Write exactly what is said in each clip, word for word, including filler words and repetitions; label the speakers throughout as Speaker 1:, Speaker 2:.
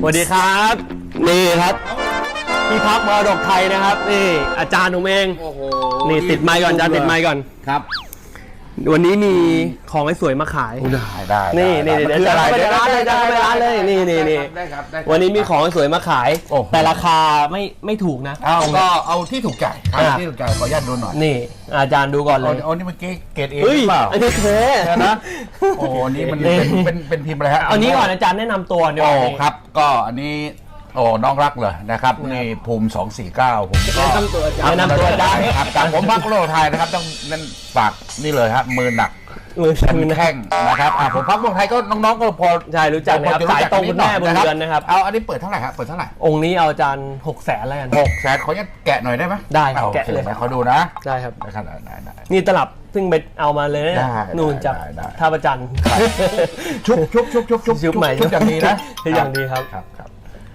Speaker 1: วัสดีครับนี่ครับพี่พักมรดกไทยนะครับนี่อาจารย์ผมเองโอ้โหนี่ติดไมค์ก่อนอาจารย์ติดไมค์ก่อนครับวันนี้มีของสวยมาขาย
Speaker 2: ได้ได้
Speaker 1: นี่นี่เดี๋ยวจะเข้าไปร้านเลยจะเข้าไปร้านเลยนี่นี่นี่วันนี้มีของสวยมาขายแต่ราคาไม่ไม่ถูกนะ
Speaker 2: เอาก็เอาที่ถูกใจที่ถูกใจขออนุญาตดูหน่อย
Speaker 1: นี่อาจารย์ดูก่อนเลย
Speaker 2: โอ้นี่เมื่อกี้เกรดเอหรือเปล่า
Speaker 1: อันนี้เท่นะ
Speaker 2: โอ้นี่มันเป็นเป็นเป็นพิมพ์อะไรฮะ
Speaker 1: อันนี้ก่อนอาจารย์แนะนำตัวเดี๋ยว
Speaker 2: โอ้ครับก็อันนี้โอ้น้องรักเลยนะครับนี่ภูมิสองสี่เก้าผมก็
Speaker 1: แนะนำตัวอาจารย์แนะนำตัวอาจารย์
Speaker 2: ครับจากผมพักโลกไทยนะครับต้องนั่นฝากนี่เลยครับมือหนักมือแข้งนะครับผมพักโลกไทยก็น้องๆก็พอ
Speaker 1: ใช่รู้จักนะครับสายตรงคุณแม่บุญเรือนนะครับ
Speaker 2: เอาอันนี้เปิดเท่าไหร่ครับเปิดเท่าไหร่
Speaker 1: องค์นี้เอาอาจารย์หกแสนแล้วกัน
Speaker 2: หกแสนขออนุญาตแกะหน่อยได้ไหม
Speaker 1: ได้แกะเลย
Speaker 2: ขอดูนะ
Speaker 1: ได้ครับ
Speaker 2: ได้ครับได้ได้
Speaker 1: นี่ตลับซึ่งไปเอามาเลยนู่นจากท่าประจัน
Speaker 2: ชุบชุบชุบชุบชุบ
Speaker 1: ชุบใหม่
Speaker 2: ชุบอย่างดีนะ
Speaker 1: ชุบอย่างดีครับ
Speaker 2: ครับครับ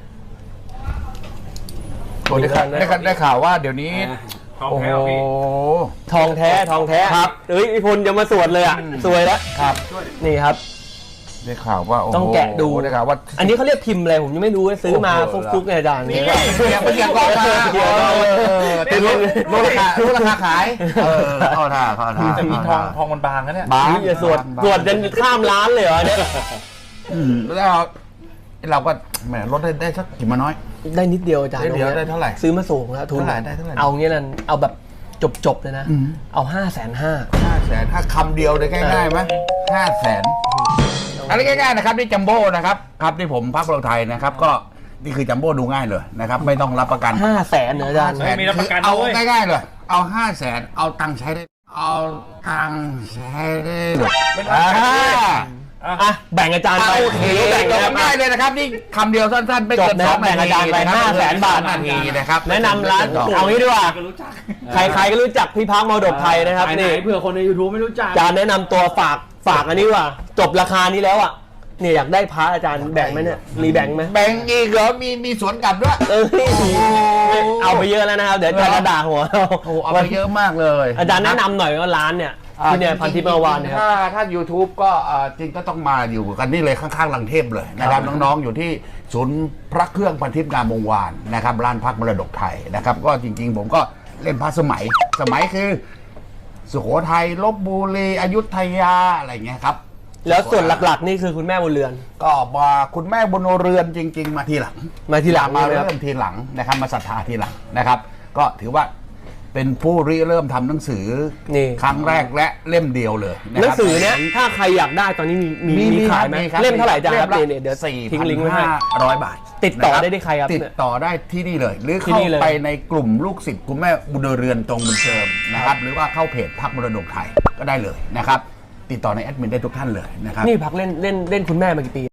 Speaker 2: ได้ได้ข่าวว่าเดี๋ยวนี้
Speaker 3: ทองแท้พี่
Speaker 1: ทองแท้ทองแท้ครับเฮ้ยพี่พลจะมาสวดเลยอ่ะสวยแล้ว
Speaker 2: ครับ
Speaker 1: นี่ครับ
Speaker 2: ได้ข่าวว่า
Speaker 1: ต้องแกะดู
Speaker 2: ได้ข่าวว่า
Speaker 1: อันนี้เขาเรียกพิมพ์อะไรผมยังไม่รู้ซื้อมาฟุกๆไงอาจารย์
Speaker 2: นี่มันยังก็มาตีลดราคาลดราคาขายเออเข้าท่าเข้าท่า
Speaker 3: แต่มีทองทองมันบางนะเนี่ย
Speaker 1: บางอย่าสวดสวดจนข้ามร้านเลยเหรอเนี่ย
Speaker 2: แล้วเราก็แหมลดได้ได้สักกี่มาน้อย
Speaker 1: ได้นิดเดียวอาจารย์
Speaker 2: เดียวได้เท่าไหร่
Speaker 1: ซื้อมาสูงแล้วทุน
Speaker 2: เท่าไหร่ได้เท่าไหร่
Speaker 1: เอางี้นั่นเอาแบบจบๆเลยนะเอาห้าแสนห้า
Speaker 2: ห้าแสนถ้าคำเดียวเลยง่ายๆไหมห้าแสนอะไรง่ายๆนะครับนี่จัมโบ้นะครับครับที่ผมพักเราไทยนะครับก็นี่คือจัมโบ้ดูง่ายเลยนะครับไม่ต้องรับประกัน
Speaker 1: ห้าแสนเหรออาจารย์
Speaker 3: ไม่มีรับประกัน
Speaker 2: เอาง่ายๆเลยเอาห้าแสนเอาตังค์ใช้ได้เอาตังค์ใช้ได้
Speaker 1: อ่ะแบ่งอาจารย์ไป
Speaker 2: แบ่งง่ายเลยนะครับนี่คำเดียวสั้นๆไม่เกินสองนาที
Speaker 1: แบ่งอาจารย์ไปห้าแสนบาท
Speaker 2: นาทีนะครับ
Speaker 1: แนะนำร้านเอางี้ดีกว่าใครๆก็รู้จักพี่พักมรดกไทยนะครับนี่
Speaker 3: เผื่อคนใน ยูทูบ ไม่รู้จัก
Speaker 1: อาจารย์แนะนำตัวฝากฝากอันนี้ว่าจบราคานี้แล้วอ่ะเนี่ยอยากได้พระอาจารย์แบ่งไหมเนี่ยมีแบ่งไหม
Speaker 2: แบ่งอีกเหรอมีมีสวนกลับด้วย
Speaker 1: เออเอาไปเยอะแล้วนะครับเดี๋ยวอาจารย์ด่าหัวเรา
Speaker 2: เอาไปเยอะมากเลย
Speaker 1: อาจารย์แนะนำหน่อยว่าร้านเนี่ยที่เนี่ยพันทิพย์เมื่อวานเนี่ย
Speaker 2: ถ้าถ้า ยูทูบ ก็จริงก็ต้องมาอยู่กันนี่เลยข้างๆลังเทพเลยนะครับน้องๆอยู่ที่ศูนย์พระเครื่องพันทิพย์งามวงวานนะครับร้านพักมรดกไทยนะครับก็จริงๆผมก็เล่นพระสมัยสมัยคือสุโขทัยลพบุรีอยุธยาอะไรเงี้ยครับ
Speaker 1: แล้วส่วนหลักๆนี่คือคุณแม่บุญเรือน
Speaker 2: ก็มาคุณแม่บุญเรือนจริงๆมาทีหลัง
Speaker 1: มาทีหลัง
Speaker 2: มาเริ่มทีหลังนะครับมาศรัทธาทีหลังนะครับก็ถือว่าเป็นผู้ริเริ่มทำหนังสือครั้งแรกและเล่มเดียวเลย
Speaker 1: หนังสือเนี้ยถ้าใครอยากได้ตอนนี้มีมีขายไหมเล่มเท่าไหร่จ้าครับเดี๋ยวทิ้งลิงก์ไว้ให้
Speaker 2: ร้อยบาท
Speaker 1: ติดต่อได้ที่ใครครับ
Speaker 2: ติดต่อได้ที่นี่เลยหรือเข้าไปในกลุ่มลูกศิษย์คุณแม่บุญเรือนตรงบุญเชิมนะครับหรือว่าเข้าเพจพักมรดกไทยก็ได้เลยนะครับติดต่อในแอดมินได้ทุกท่านเลยนะครับ
Speaker 1: นี่พักเล่นเล่นเล่นคุณแม่มากี่ปี